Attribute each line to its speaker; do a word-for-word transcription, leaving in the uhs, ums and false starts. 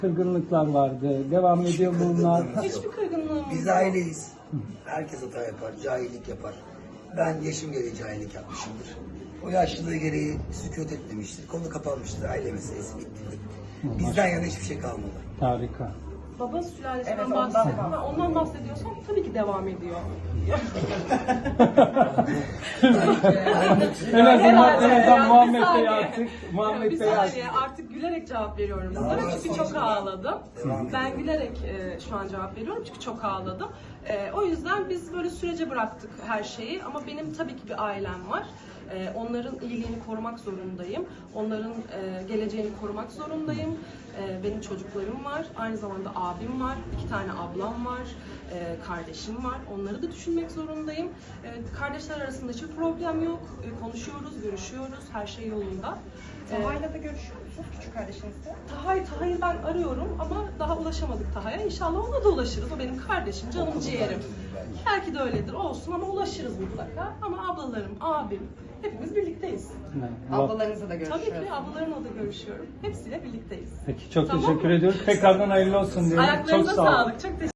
Speaker 1: Kırgınlıklar vardı. Devam ediyor bunlar.
Speaker 2: Hiçbir kırgınlığım
Speaker 3: Biz aileyiz. Herkes hata yapar, cahillik yapar. Ben yaşım gereği cahillik yapmışımdır. O yaşlılığı gereği sükût etmemiştir. Konu kapanmıştır. Aile meselesi bitti. Bizden yana hiçbir şey kalmadı.
Speaker 1: Harika.
Speaker 2: baba sülalesinden
Speaker 4: Evet, ondan
Speaker 2: bahsediyorum.
Speaker 4: bahsediyorum.
Speaker 2: Ondan bahsediyorsam tabii ki devam ediyor.
Speaker 1: En azından,
Speaker 2: Herhalde,
Speaker 1: en azından
Speaker 2: yani
Speaker 1: Muhammed
Speaker 2: bir
Speaker 1: Bey
Speaker 2: saniye.
Speaker 1: artık. Muhammed
Speaker 2: bir
Speaker 1: Bey artık.
Speaker 2: saniye artık gülerek cevap veriyorum
Speaker 3: Daha
Speaker 2: bunlara
Speaker 3: sonra
Speaker 2: çünkü çok
Speaker 3: sonuçta
Speaker 2: ağladım.
Speaker 3: devam
Speaker 2: Ben
Speaker 3: ediyor.
Speaker 2: gülerek e, şu an cevap veriyorum çünkü çok ağladım. E, o yüzden biz böyle sürece bıraktık her şeyi ama benim tabii ki bir ailem var. E, onların iyiliğini korumak zorundayım. Onların e, geleceğini korumak zorundayım. E, benim çocuklarım var. Aynı zamanda abim var. İki tane ablam var. E, kardeşim var. Onları da düşünmek zorundayım. E, kardeşler arasında hiçbir problem yok. E, konuşuyoruz, görüşüyoruz. Her şey yolunda. E,
Speaker 4: Taha'yla da görüşüyor musunuz küçük kardeşinizle?
Speaker 2: Tahay, Tahay'ı ben arıyorum ama daha ulaşamadık Tahay'a. İnşallah ona da ulaşırız. O benim kardeşim, canım ciğerim. Belki de öyledir, olsun ama ulaşırız mutlaka. Ama ablalarım, abim, hepimiz birlikteyiz.
Speaker 4: Ablalarınızla da görüşüyor.
Speaker 2: Tabii ki ablalarımla da görüşüyorum. Hepsiyle birlikteyiz.
Speaker 1: Peki çok
Speaker 2: Tamam
Speaker 1: teşekkür
Speaker 2: mı?
Speaker 1: ediyoruz. Tekrardan hayırlı olsun diyorum.
Speaker 2: Ayaklarınıza
Speaker 1: Çok sağ olun.
Speaker 2: sağlık. Çok teşekkür